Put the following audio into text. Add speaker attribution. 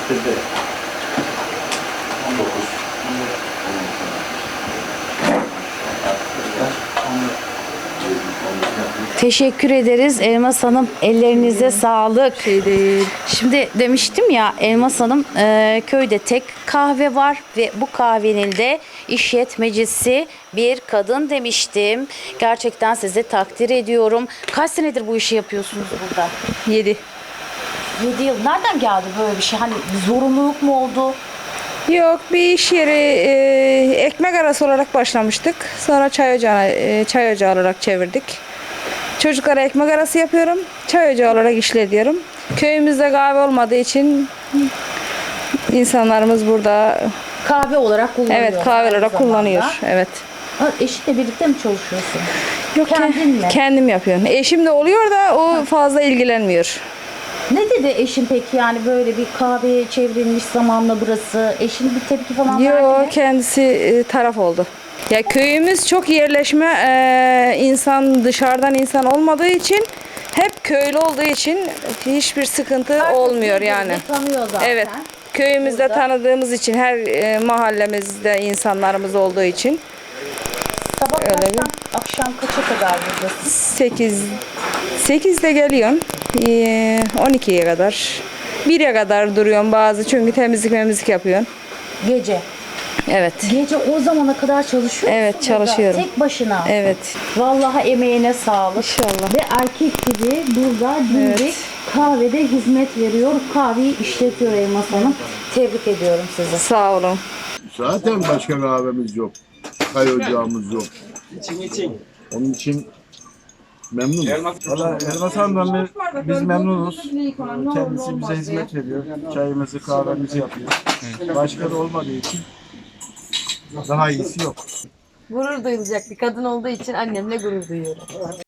Speaker 1: Teşekkür ederiz Elmas Hanım. Ellerinize sağlık.
Speaker 2: Şey değil.
Speaker 1: Şimdi demiştim ya Elmas Hanım köyde tek kahve var ve bu kahvenin de işletmecisi bir kadın demiştim. Gerçekten sizi takdir ediyorum. Kaç senedir bu işi yapıyorsunuz burada?
Speaker 2: 7.
Speaker 1: 7 yıl. Nereden geldi böyle bir şey? Hani bir zorunluluk mu oldu?
Speaker 2: Yok, bir iş yeri ekmek arası olarak başlamıştık. Sonra çay ocağı olarak çevirdik. Çocuklara ekmek arası yapıyorum. Çay ocağı olarak işletiyorum. Köyümüzde kahve olmadığı için insanlarımız burada
Speaker 1: Kahve olarak kullanıyor.
Speaker 2: evet kahve
Speaker 1: aynı
Speaker 2: olarak
Speaker 1: zamanda.
Speaker 2: kullanıyor. Evet.
Speaker 1: Ha, eşinle birlikte mi çalışıyorsun?
Speaker 2: Yok,
Speaker 1: Kendin mi?
Speaker 2: kendim yapıyorum. Eşim de oluyor da o fazla ilgilenmiyor.
Speaker 1: Ne dedi eşin peki, yani böyle bir kahveye çevrilmiş zamanla burası? Eşin bir tepki falan verdi
Speaker 2: Yok,
Speaker 1: mi?
Speaker 2: kendisi taraf oldu. Ya köyümüz çok yerleşme, insan dışarıdan insan olmadığı için, hep köylü olduğu için hiçbir sıkıntı
Speaker 1: Herkes
Speaker 2: olmuyor
Speaker 1: birbirini
Speaker 2: yani.
Speaker 1: tanıyor zaten.
Speaker 2: Evet. Köyümüzde
Speaker 1: Burada.
Speaker 2: tanıdığımız için, her mahallemizde insanlarımız olduğu için
Speaker 1: Sabah
Speaker 2: öyle
Speaker 1: kaçtan akşam kaça kadar buradasın?
Speaker 2: 8'de geliyorum. 12'ye kadar. 1'e kadar duruyorum bazı, çünkü temizlik yapıyorum.
Speaker 1: Gece.
Speaker 2: Evet.
Speaker 1: Gece o zamana kadar çalışıyor
Speaker 2: Evet,
Speaker 1: musun burada?
Speaker 2: çalışıyorum.
Speaker 1: Tek başına.
Speaker 2: Evet.
Speaker 1: Vallahi emeğine sağlık.
Speaker 2: İnşallah.
Speaker 1: Ve erkek gibi burada dimdik
Speaker 2: Evet.
Speaker 1: kahvede hizmet veriyor. Kahveyi işletiyor Elmas Hanım. Tebrik ediyorum sizi.
Speaker 2: Sağ olun.
Speaker 3: Zaten başka kahvemiz yok. Çay ocağımız yok.
Speaker 4: İçin.
Speaker 3: Onun için memnunum.
Speaker 4: Valla Elmas Hanım'dan biz memnunuz. Kendisi bize hizmet veriyor. Çayımızı, kahvemizi yapıyor. Başka da olmadığı için daha iyisi yok.
Speaker 5: Gurur duyulacak bir kadın olduğu için annemle gurur duyuyorum.